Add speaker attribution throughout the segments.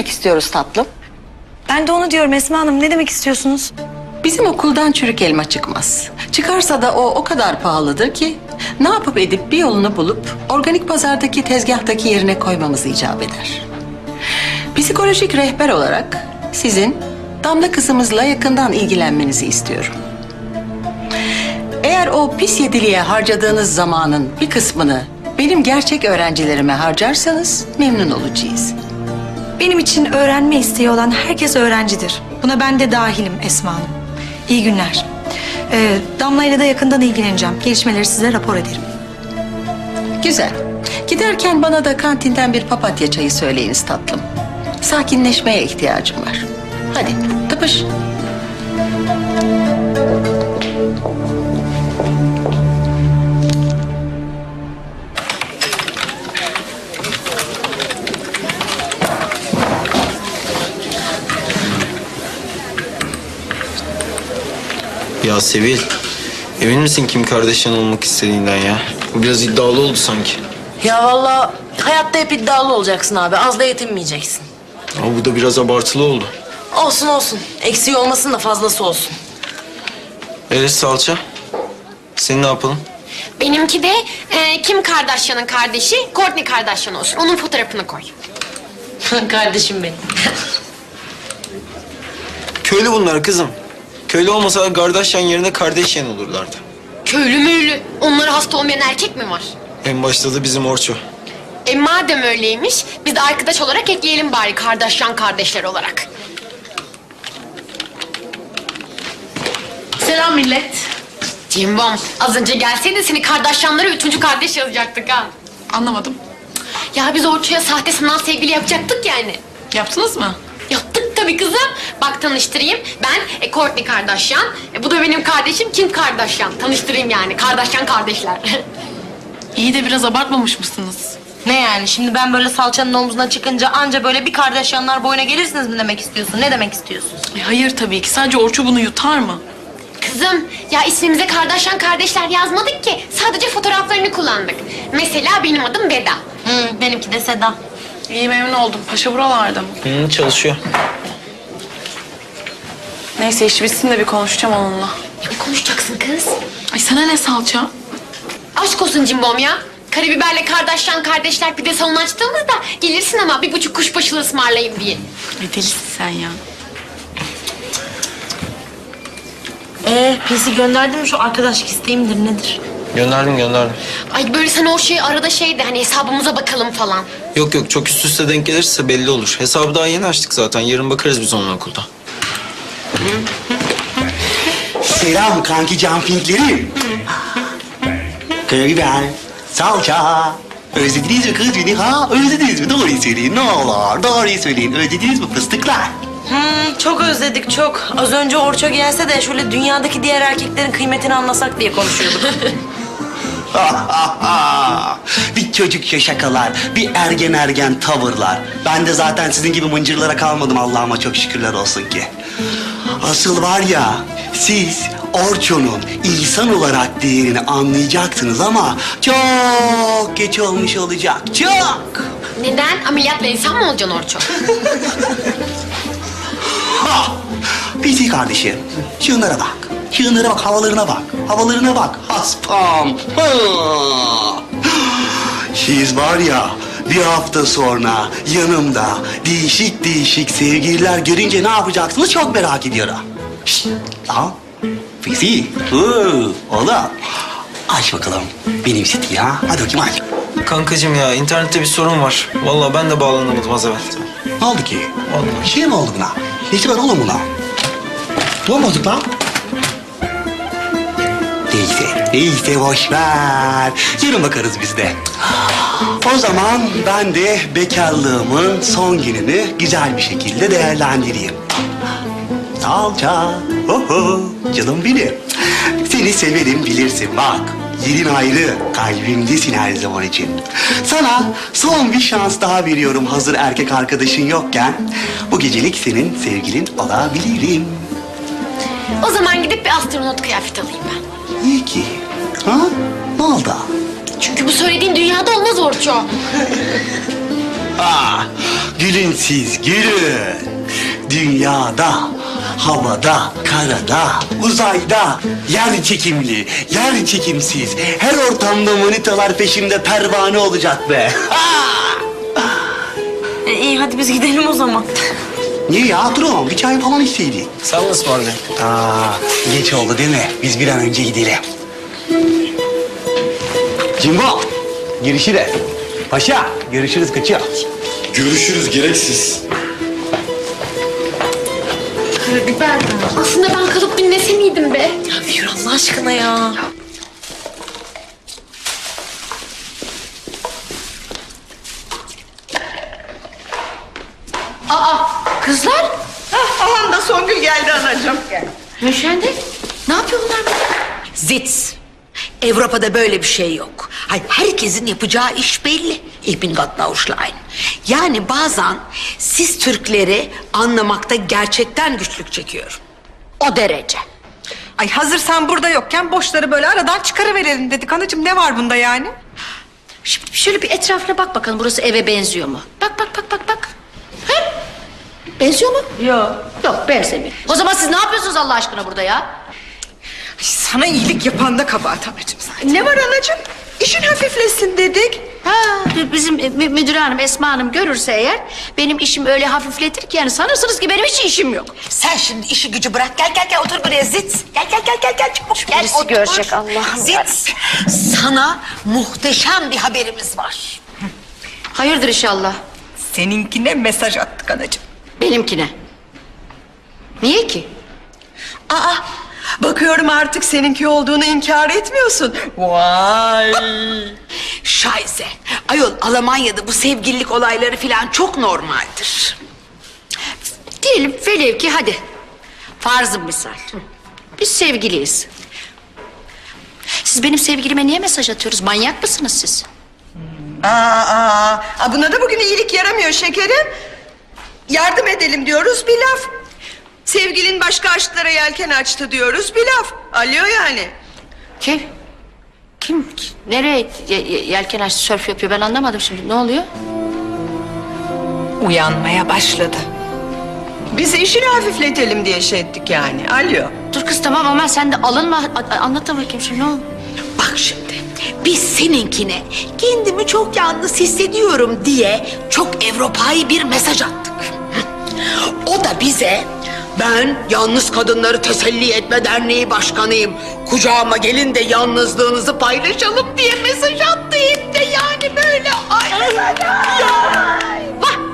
Speaker 1: demek istiyoruz tatlım?
Speaker 2: Ben de onu diyorum Esma Hanım. Ne demek istiyorsunuz?
Speaker 1: Bizim okuldan çürük elma çıkmaz. Çıkarsa da o kadar pahalıdır ki ne yapıp edip bir yolunu bulup organik pazardaki tezgahtaki yerine koymamız icap eder. Psikolojik rehber olarak sizin Damla kızımızla yakından ilgilenmenizi istiyorum. Eğer o pis yediliğe harcadığınız zamanın bir kısmını benim gerçek öğrencilerime harcarsanız memnun olacağız.
Speaker 2: Benim için öğrenme isteği olan herkes öğrencidir. Buna ben de dahilim Esma Hanım. İyi günler. Damla ile de yakından ilgileneceğim. Gelişmeleri size rapor ederim.
Speaker 1: Güzel. Giderken bana da kantinden bir papatya çayı söyleyiniz tatlım. Sakinleşmeye ihtiyacım var. Hadi tıpış.
Speaker 3: Ya Sevil, emin misin kim kardeşin olmak istediğinden ya? Bu biraz iddialı oldu sanki.
Speaker 4: Ya vallahi hayatta hep iddialı olacaksın abi. Az da yetinmeyeceksin.
Speaker 3: Ama bu da biraz abartılı oldu.
Speaker 4: Olsun olsun. Eksiği olmasın da fazlası olsun.
Speaker 3: Salça, seni ne yapalım?
Speaker 5: Benimki de Kim Kardashian'ın kardeşi Kourtney Kardashian olsun. Onun fotoğrafını koy.
Speaker 4: Kardeşim benim.
Speaker 3: Köylü bunlar kızım. Köylü olmasa Kardashian yerine Kardashian olurlardı.
Speaker 5: Köylü müylü. Onlara hasta olmayan erkek mi var?
Speaker 3: En başta da bizim Orço.
Speaker 5: Madem öyleymiş biz de arkadaş olarak ekleyelim bari Kardashian kardeşler olarak.
Speaker 4: Selam millet.
Speaker 5: Cimbom az önce gelseydin seni Kardashian'lara 3. kardeş yazacaktık ha.
Speaker 6: Anlamadım.
Speaker 5: Ya biz Orço'ya sahte sanal sevgili yapacaktık yani.
Speaker 6: Yaptınız mı?
Speaker 5: Yaptık tabii kızım. Bak tanıştırayım. Ben Kourtney Kardashian. Bu da benim kardeşim Kim Kardashian. Tanıştırayım yani. Kardashian kardeşler.
Speaker 6: İyi de biraz abartmamış mısınız?
Speaker 4: Ne yani şimdi ben böyle salçanın omzuna çıkınca anca böyle bir Kardashianlar boyuna gelirsiniz mi demek istiyorsun? Ne demek istiyorsun?
Speaker 6: Hayır tabii ki. Sadece Orço bunu yutar mı?
Speaker 5: Kızım ya ismimize Kardashian kardeşler yazmadık ki. Sadece fotoğraflarını kullandık. Mesela benim adım Beda.
Speaker 4: Benimki de Seda.
Speaker 6: İyi memnun oldum. Paşa buralarda mı?
Speaker 3: Çalışıyor.
Speaker 6: Neyse iş bitsin de bir konuşacağım onunla.
Speaker 5: Ne konuşacaksın kız?
Speaker 6: Ay sana ne salça?
Speaker 5: Aşk olsun Cimbom ya. Karabiberle Kardashian kardeşler pide salonu açtığımızda gelirsin ama 1,5 kuşbaşılı ısmarlayayım diye.
Speaker 6: Ay delisin sen ya.
Speaker 4: Pisi gönderdin mi şu arkadaşlık isteği midir nedir?
Speaker 3: Gönderdim.
Speaker 5: Ay böyle sen o şeyi arada şeydi hani hesabımıza bakalım falan.
Speaker 3: Yok çok üst üste denk gelirse belli olur. Hesabı daha yeni açtık zaten. Yarın bakarız biz onun okulda.
Speaker 7: Selam kanki jumpinglerim. Karabiber, salça. Özlediniz mi kız beni ha? Özlediniz mi? Doğruyu söyleyin ne olur. Doğruyu söyleyin. Özlediniz mi fıstıklar?
Speaker 4: Çok özledik çok. Az önce Orço gelse de şöyle dünyadaki diğer erkeklerin kıymetini anlasak diye konuşuyorduk.
Speaker 7: Bir çocukça şakalar, bir ergen tavırlar. Ben de zaten sizin gibi mıncırlara kalmadım Allah'ıma çok şükürler olsun ki. Asıl var ya, siz Orço'nun insan olarak değerini anlayacaksınız ama çok geç olmuş olacak, çok.
Speaker 5: Neden? Ameliyatla insan mı olacaksın Orço?
Speaker 7: Bizi kardeşim, şunlara bak. Şunlara bak, havalarına bak. Haspam. Ha. Siz var ya, bir hafta sonra yanımda değişik sevgililer görünce ne yapacaksınız çok merak ediyorum. Şşt, lan. Bizi. Oğlum. Aç bakalım benim seti ya. Hadi bakayım aç.
Speaker 3: Kankacığım ya internette bir sorun var. Vallahi ben de bağlanamadım az evvel.
Speaker 7: Ne oldu ki?
Speaker 3: Vallahi.
Speaker 7: Bir şey mi oldu buna? Nesi var oğlum buna? Ne bozuk lan? Neyse boş ver. Yarın bakarız biz de. O zaman ben de bekarlığımın son gününü güzel bir şekilde değerlendireyim. Salça, canım benim. Seni severim bilirsin bak. Yerin ayrı, kalbimdesin her zaman için. Sana son bir şans daha veriyorum hazır erkek arkadaşın yokken. Bu gecelik senin sevgilin olabilirim.
Speaker 5: O zaman gidip bir astronot kıyafet alayım ben.
Speaker 7: İyi ki. Ha? Ne oldu?
Speaker 5: Çünkü bu söylediğin dünyada olmaz Orço.
Speaker 7: Gülün siz, gülün. Dünyada, havada, karada, uzayda, yer çekimli, yer çekimsiz. Her ortamda manitalar peşimde pervane olacak be.
Speaker 4: İyi hadi biz gidelim o zaman.
Speaker 7: Niye ya? Durun, bir çay falan içseydik.
Speaker 3: Sağ olasın abi.
Speaker 7: Geç oldu değil mi? Biz bir an önce gidelim. Cimbo, görüşürüz. Paşa, görüşürüz, kaçıyor.
Speaker 8: Görüşürüz gereksiz.
Speaker 5: Karabiber. Aslında ben kalıp dinlese miydim be?
Speaker 4: Ya yürü Allah aşkına ya.
Speaker 5: Kızlar.
Speaker 9: Aman da Songül geldi anacığım.
Speaker 5: Müşende. Ne yapıyorlar burada?
Speaker 10: Zits. Avrupa'da böyle bir şey yok. Hayır, herkesin yapacağı iş belli. Ich bin Gott Ausschlein. Yani bazen siz Türkleri anlamakta gerçekten güçlük çekiyorum. O derece.
Speaker 2: Ay hazır sen burada yokken boşları böyle aradan çıkarıverelim dedik anacığım. Ne var bunda yani?
Speaker 10: Şimdi şöyle bir etrafına bak bakalım, burası eve benziyor mu? Bak. Ha? Benziyor mu? Yok. Yok, benzemiyor. O zaman siz ne yapıyorsunuz Allah aşkına burada ya?
Speaker 2: Sana iyilik yapan da kabahat anacığım zaten.
Speaker 9: Ne var anacığım? İşin hafiflesin dedik.
Speaker 10: Ha, bizim müdür hanım, Esma Hanım görürse eğer benim işim öyle hafifletir ki yani sanırsınız ki benim hiç işim yok. Sen şimdi işi gücü bırak, gel otur buraya Zits. Gel çabuk gel.
Speaker 4: birisi
Speaker 10: otur.
Speaker 4: görecek, Allah'ım
Speaker 10: Zits, sana muhteşem bir haberimiz var.
Speaker 4: Hayırdır inşallah.
Speaker 2: Seninkine mesaj attık anacığım.
Speaker 10: Benimkine. Niye ki?
Speaker 9: Aa, bakıyorum artık seninki olduğunu inkar etmiyorsun. Vay.
Speaker 10: Şayse. Ayol, Almanya'da bu sevgililik olayları falan çok normaldir. Diyelim velev ki hadi. Farzı misal. Biz sevgiliyiz. Siz benim sevgilime niye mesaj atıyorsunuz? Manyak mısınız siz?
Speaker 9: Buna da bugün iyilik yaramıyor şekerim. Yardım edelim diyoruz bir laf. Sevgilin başka aşklara yelken açtı diyoruz bir laf. Alıyor yani.
Speaker 10: Kim? Nereye yelken açtı, sörf yapıyor? Ben anlamadım şimdi. Ne oluyor?
Speaker 2: Uyanmaya başladı.
Speaker 9: Biz işini hafifletelim diye şey ettik yani. Alıyor.
Speaker 10: Dur kız tamam ama sen de alınma. Anlatın bakayım şimdi ne oldu? Bak şimdi. Biz seninkine kendimi çok yalnız hissediyorum diye çok Avrupa'yı bir mesaj attık. O da bize ben Yalnız Kadınları Teselli Etme Derneği Başkanıyım. Kucağıma gelin de yalnızlığınızı paylaşalım diye mesaj attı hem de yani böyle. Ay. Bak.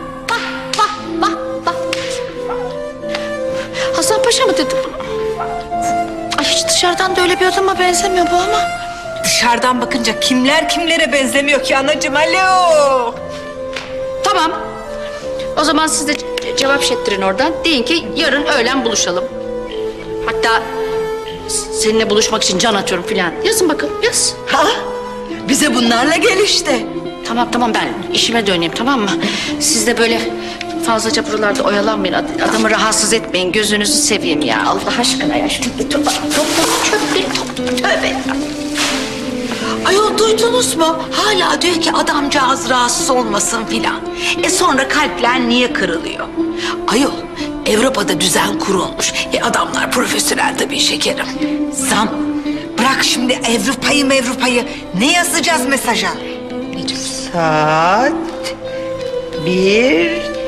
Speaker 10: Hasan Paşa mı dedi bunu? Ay hiç dışarıdan da öyle bir adama benzemiyor bu ama.
Speaker 2: Dışarıdan bakınca kimler kimlere benzemiyor ki anacığım. Alo.
Speaker 10: Tamam. O zaman siz de cevap şettirin oradan. Deyin ki yarın öğlen buluşalım. Hatta seninle buluşmak için can atıyorum filan. Yazın bakalım, yaz.
Speaker 9: Bize bunlarla gel işte.
Speaker 10: Tamam ben işime döneyim, tamam mı? Siz de böyle fazlaca buralarda oyalanmayın. Adamı rahatsız etmeyin. Gözünüzü seveyim ya. Allah aşkına ya. Şimdi topla çöpleri topla. Tövbe ya. Ayol duydunuz mu? Hala diyor ki adamcağız rahatsız olmasın filan. Sonra kalpler niye kırılıyor? Ayol Avrupa'da düzen kurulmuş. Adamlar profesyonel tabii şekerim.
Speaker 2: Zam. Bırak şimdi Avrupa'yı. Ne yazacağız mesaja?
Speaker 9: Saat 1